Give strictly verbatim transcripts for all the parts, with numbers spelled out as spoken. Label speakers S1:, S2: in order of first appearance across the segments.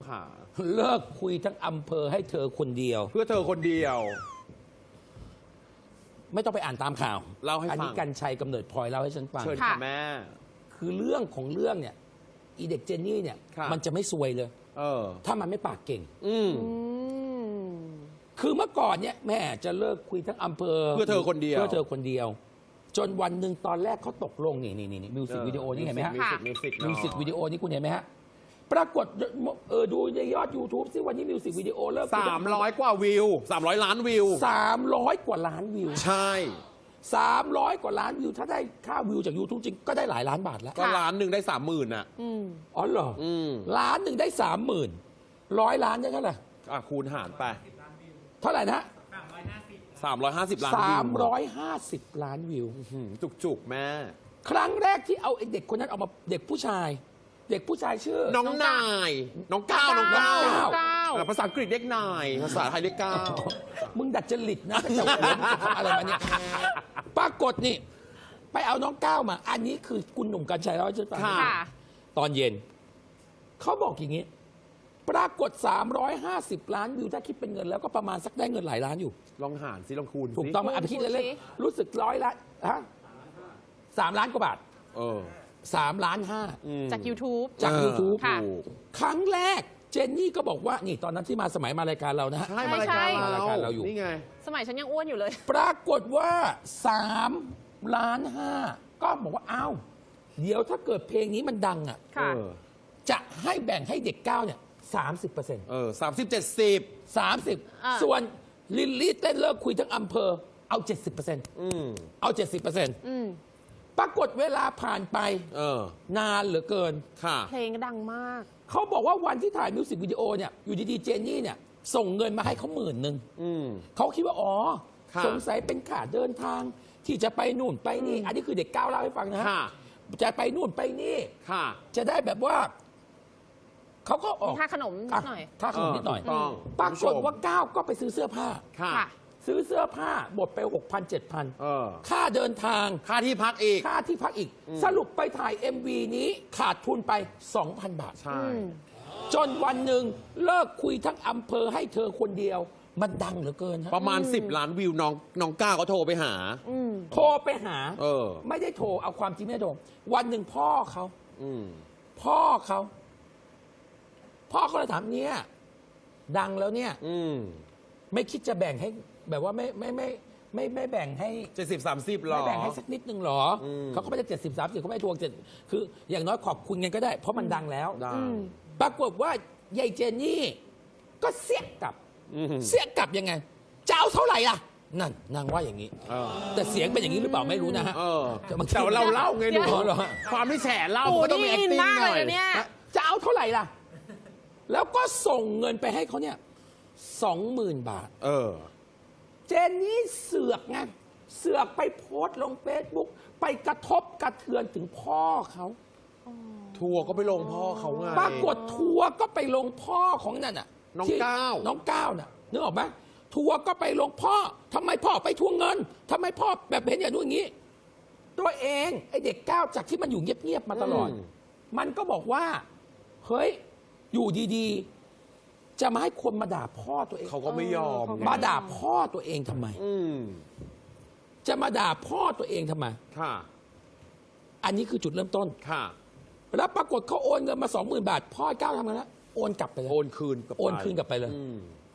S1: ค่ะ
S2: เลิกคุยทั้งอำเภอให้เธอคนเดียว
S1: เพื่อเธอคนเดียว
S2: ไม่ต้องไปอ่านตามข่าว
S1: เล่าให้ฟัง
S2: อันนี้กันชัยกำเนิดพลอยเล่าให้ฉันฟัง
S1: เชิญค่ะแม่
S2: คือเรื่องของเรื่องเนี่ยอีเด็กเจนนี่เนี่ย
S1: ค่ะ
S2: มันจะไม่ซวยเลย
S1: เออ
S2: ถ้ามันไม่ปากเก่ง
S1: อืม
S2: คือเมื่อก่อนเนี่ยแม่จะเลิกคุยทั้งอำเภอ
S1: เพื่อเธอคนเดียว
S2: เพื่อเธอคนเดียว จนวันหนึ่งตอนแรกเขาตกลงนี่นี่นี่มิวสิกวิดีโอนี่เห็นไหมฮะ
S1: มิวสิกมิวสิก
S2: มิวสิกวิดีโอนี่คุณเห็นไหมฮะปรากฏเออดูในยอด YouTube ซิวันนี้มิวสิกวิดีโอเลิก
S1: สามร้อยกว่าวิวสามร้อยล้านวิว
S2: สามร้อยกว่าล้านวิว
S1: ใช่
S2: สามร้อยกว่าล้านวิวถ้าได้ค่าวิวจาก YouTube จริงก็ได้หลายล้านบาทแล้ว
S1: ก็ล้านหนึ่งได้สามหมื่นอ่ะ
S2: อ๋อเหรอ
S1: อืม
S2: ล้านหนึ่งได้สามหมื่นร้อยล้านได้เท่าไหร่
S1: อ่ะคูณหารไป
S2: เท่าไหร่นะ
S1: สามร้อยห้าสิบล้านวิว
S2: สามร้อยห้าสิบล้านวิว
S1: จุกจุกๆแม่
S2: ครั้งแรกที่เอาไอ้เด็กคนนั้นเอามาเด็กผู้ชาย เด็กผู้ชายชื่อ
S1: น้องนาย น้องก้าวน้องก้าว
S2: น้องก้าว
S1: เออภาษาอังกฤษเรียกนาย ภาษาไทยเรียกก้าว
S2: มึงดัดจริตนะตั้งแต่หัวมึงจะทำอะไรมาเนี่ยปรากฏนี่ ไปเอาน้องก้าวมา อันนี้คือคุณหนุ่มกัญชัยเล่าให้ฉันฟัง
S1: ค่ะ
S2: ตอนเย็น เขาบอกอย่างนี้ ปรากฏ สามร้อยห้าสิบ ล้านวิวถ้าคิดเป็นเงินแล้วก็ประมาณสักได้เงินหลายล้านอยู่
S1: ลองหารสิลองคูณสิ
S2: ถูกต้องไหมอ่ะไปคิดเล่นๆรู้สึกร้อยละฮะสามล้านกว่าบาท
S1: เออ
S2: สามล้านห้า
S1: อืม
S3: จาก YouTube
S2: จาก
S1: เออ
S2: YouTube
S3: ค่ะ
S1: ถูก
S2: ครั้งแรกเจนนี่ก็บอกว่านี่ตอนนั้นที่มาสมัยมารายการเรานะฮะ
S1: ใช่มารายการ
S2: มารายการเราอยู่
S1: นี่ไง
S3: สมัยฉันยังอ้วนอยู่เลย
S2: ปรากฏว่าสามล้านห้าก็บอกว่าอ้าวเดี๋ยวถ้าเกิดเพลงนี้มันดังอ่ะ
S3: ค่ะ
S1: เออ
S2: จะให้แบ่งให้เด็กเก้าเนี่ยสามสิบเปอร์เซ็นต์
S1: เออสามสิบเจ็ดสิบ
S2: สามสิบ
S3: อ่า
S2: ส่วนลิลลี่เต้นเลิกคุยทั้งอำเภอเอาเจ็ดสิบเปอร์เซ็นต์
S1: อืม
S2: เอาเจ็ดสิบเปอร์เซ็นต์
S3: อืม
S2: ปรากฏเวลาผ่านไป
S1: เออ
S2: นานเหลือเกิน
S1: ค่ะ
S3: เพลงก็ดังมาก
S2: เขาบอกว่าวันที่ถ่ายมิวสิกวิดีโอเนี่ยอยู่ดีๆเจนนี่เนี่ยส่งเงินมาให้เขาหมื่นหนึ่ง
S1: อืม
S2: เขาคิดว่า อ๋อ
S1: ค่ะ
S2: สงสัยเป็นค่าเดินทาง ที่จะไปนู่นไปนี่ อันนี้คือเด็กก้าวเล่าให้ฟังนะฮะ
S1: ค่ะ
S2: จะไปนู่นไปนี่
S1: ค่ะ
S2: จะได้แบบว่า เขาก็ออก
S3: มีค่าขนมนิดหน่อย
S2: ค่าขนมนิดหน่อย
S1: เออถูกต้อง
S2: ปรากฏว่าก้าวก็ไปซื้อเสื้อผ้า
S1: ค่ะ
S3: ค่ะ
S2: ซื้อเสื้อผ้าหมดไปหกพันเจ็ดพัน
S1: เออ
S2: ค่าเดินทาง
S1: ค่าที่พักอีก
S2: ค่าที่พักอีก สรุปไปถ่าย เอ็ม วี นี้ขาดทุนไป สองพัน บาท
S1: ใช่
S2: จนวันหนึ่งเลิกคุยทั้งอำเภอให้เธอคนเดียว มันดังเหลือเกินฮะ
S1: ประมาณสิบล้านวิวน้องน้องก้าวก็โทรไปหา
S3: อืม
S2: โทรไปหา
S1: เออ
S2: ไม่ได้โทรเอาความจริงไม่ได้โทรวันหนึ่งพ่อเขา
S1: อืม
S2: พ่อเขาพ่อเขาเลยถามเนี่ยดังแล้วเนี่ย
S1: อืม
S2: ไม่คิดจะแบ่งให้ แบบว่าไม่ไม่ไม่ไม่ไม่แบ่งให้
S1: เจ็ดสิบสามสิบหรอ
S2: ไม่แบ่งให้สักนิดนึงหรออ
S1: ม
S2: เขาก็ไม่ได้เจ็ดสิบสามสิบเขาไม่ได้ทวงเจ็ดคืออย่างน้อยขอบคุณกันก็ได้ เพราะมันดังแล้ว
S1: ได้
S3: อืม
S2: ปรากฏว่ายายเจนนี่ ก็เสียกลับ
S1: อืม
S2: เสียกลับยังไงจะเอาเท่าไหร่ล่ะ นั่นนางว่าอย่างนี้
S1: เออ
S2: แต่เสียงเป็นอย่างนี้หรือเปล่าไม่รู้นะฮะ
S1: เออ
S2: แต่บางที
S1: แต่ว่าเราเล่าไงหนู
S2: อ๋อเหรอฮะ
S1: ความที่แฉเล่า
S3: โอ้
S1: ก็ต้องมี
S3: นี่อิน
S1: acting
S3: มาก
S1: ห
S3: เล
S1: น่อย ย
S3: นะเนี่ย
S2: จะเอาเท่าไหร่ล่ะ แล้วก็ส่งเงินไปให้เขาเนี่ยสองหมื่นบาท
S1: เออ
S2: เจนนี่เสือกไงเสือกไปโพสต์ลงเฟซบุ๊กไปกระทบกระเทือนถึงพ่อเขา
S1: ทัวร์ก็ไปลงพ่อเขาไง
S2: ปรากฏทัวร์ก็ไปลงพ่อของนั่นน่ะ
S1: น้อง
S2: ที่
S1: ก้าว
S2: น้องก้าวน่ะนึกออกไหมทัวร์ก็ไปลงพ่อทำไมพ่อไปทวงเงินทำไมพ่อแบบเห็นอย่างนู้นอย่างนี้ ตัวเองไอเด็กก้าวจากที่มันอยู่เงียบๆมาตลอด มันก็บอกว่า เฮ้ย อยู่ดีๆ จะมาให้คนมาด่าพ่อตัวเอง
S1: เขาก็ไม่ยอม
S3: เออ
S1: ไง
S2: มาด่าพ่อตัวเองทำไม
S1: อืม
S2: จะมาด่าพ่อตัวเองทำไม
S1: ค่ะ
S2: อันนี้คือจุดเริ่มต้น
S1: ค่ะ
S2: แล้วปรากฏเขาโอนเงินมาสองหมื่นบาท พ่อก้าวทำไงแล้วโอนกลับไปเลย
S1: โอนคืนกลับไป
S2: โอนคืนกลับไปเลย
S1: อืม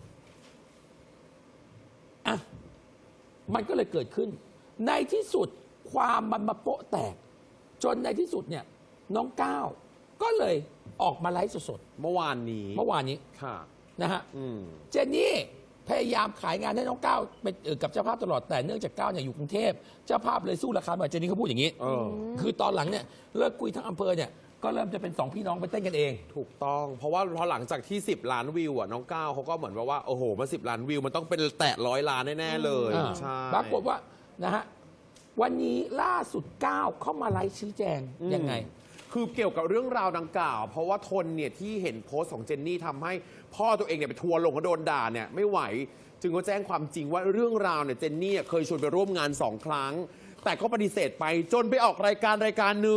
S2: อ่ะ มันก็เลยเกิดขึ้น ในที่สุดความมันมาโปะแตก จนในที่สุดเนี่ย น้องก้าวก็เลยออกมาไลฟ์สด
S1: เมื่อวานนี้
S2: ๆเมื่อวานนี้
S1: ค่ะ
S2: นะฮะ
S1: อืม
S2: เจนนี่พยายามขายงานให้น้องก้าวเป็นเอ่อกับเจ้าภาพตลอดแต่เนื่องจากก้าวเนี่ยอยู่กรุงเทพเจ้าภาพเลยสู้ราคาไม่ไหวเจนนี่เขาพูดอย่างนี้
S1: เออ
S2: คือตอนหลังเนี่ยเลิกคุยทั้งอำเภอเนี่ยก็เริ่มจะเป็นสองพี่น้องไปเต้นกันเอง
S1: ถูกต้อง เพราะว่าพอหลังจากที่สิบล้านวิวอ่ะน้องก้าวเขาก็เหมือนว่าว่าโอ้โหมาสิบล้านวิวมันต้องเป็นแตะร้อยล้านแน่ๆเลย
S2: อ่า
S1: ใช่
S2: ปรากฏว่านะฮะวันนี้ล่าสุดก้าวเข้ามาไลฟ์ชี้แจงยังไง
S1: คือเกี่ยวกับเรื่องราวดังกล่าว เพราะว่าทนเนี่ยที่เห็นโพสต์ของเจนนี่ทำให้พ่อตัวเองเนี่ยไปทัวร์ลงก็โดนด่าเนี่ยไม่ไหว จึงก็แจ้งความจริงว่าเรื่องราวเนี่ยเจนนี่เคยชวนไปร่วมงานสองครั้ง แต่ก็ปฏิเสธไปจนไปออกรายการรายการหนึ่ง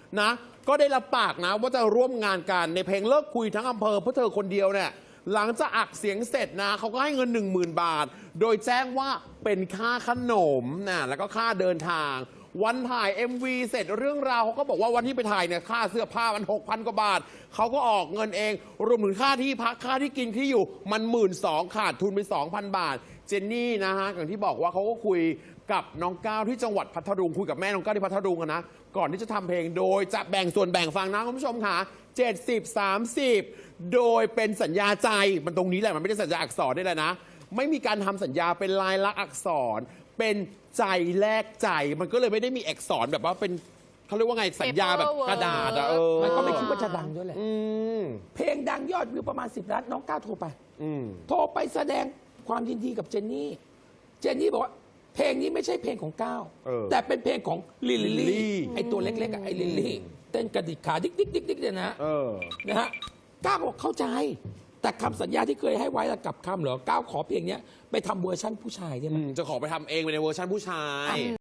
S1: นะ ก็ได้รับปากนะว่าจะร่วมงานกันในเพลงเลิกคุยทั้งอำเภอเพราะเธอคนเดียวเนี่ยหลังจากอักเสียงเสร็จนะเขาก็ให้เงิน หนึ่งหมื่น บาท โดยแจ้งว่าเป็นค่าขนมนะแล้วก็ค่าเดินทาง วันถ่าย เอ็ม วี เสร็จเรื่องราวเขาก็บอกว่าวันที่ไปถ่ายเนี่ยค่าเสื้อผ้ามัน หกพัน กว่าบาทเขาก็ออกเงินเองรวมถึงค่าที่พักค่าที่กินที่อยู่มัน หนึ่งหมื่นสองพัน ขาดทุนไป สองพัน บาท เจนนี่นะฮะอย่างที่บอกว่าเขาก็คุยกับน้องก้าวที่จังหวัดพัทลุงคุยกับแม่น้องก้าวที่พัทลุงอะนะก่อนที่จะทำเพลงโดยจะแบ่งส่วนแบ่งฟังนะคุณผู้ชมค่ะเจ็ดสิบ สามสิบ โดยเป็นสัญญาใจมันตรงนี้แหละมันไม่ได้สัญญาอักษรได้เลยนะไม่มีการทำสัญญาเป็นลายลักษณ์อักษรเป็นใจแลกใจมันก็เลยไม่ได้มีอักษรแบบว่าเป็นเขาเรียกว่าไงสัญญาแบบกระดาษอะเออ
S2: มันก็ไม่คิดว่าจะดังด้วยแหละ
S1: อืม
S2: เพลงดังยอดวิวประมาณสิบล้านน้องก้าวโทรไป
S1: อืม
S2: โทรไปแสดงความยินดีกับเจนนี่ เจนนี่บอกว่าเพลงนี้ไม่ใช่เพลงของก้าว
S1: เออ
S2: แต่เป็นเพลงของลิล
S1: ลิลลี่
S2: ลี่ไอตัวเล็กๆอะไอลิลลี่เต้นกระดิกขาดิ๊กดิ๊กดิ๊กดิ๊กเนี่ยนะ
S1: เออ
S2: นะฮะก้าวก็บอกเข้าใจ แต่คำสัญญาที่เคยให้ไว้ละกลับคำเหรอก้าวขอเพลงเนี้ยไปทำเวอร์ชั่นผู้ชายได้ไหม
S1: อืมจะขอไปทำเองในเวอร์ชันผู้ชาย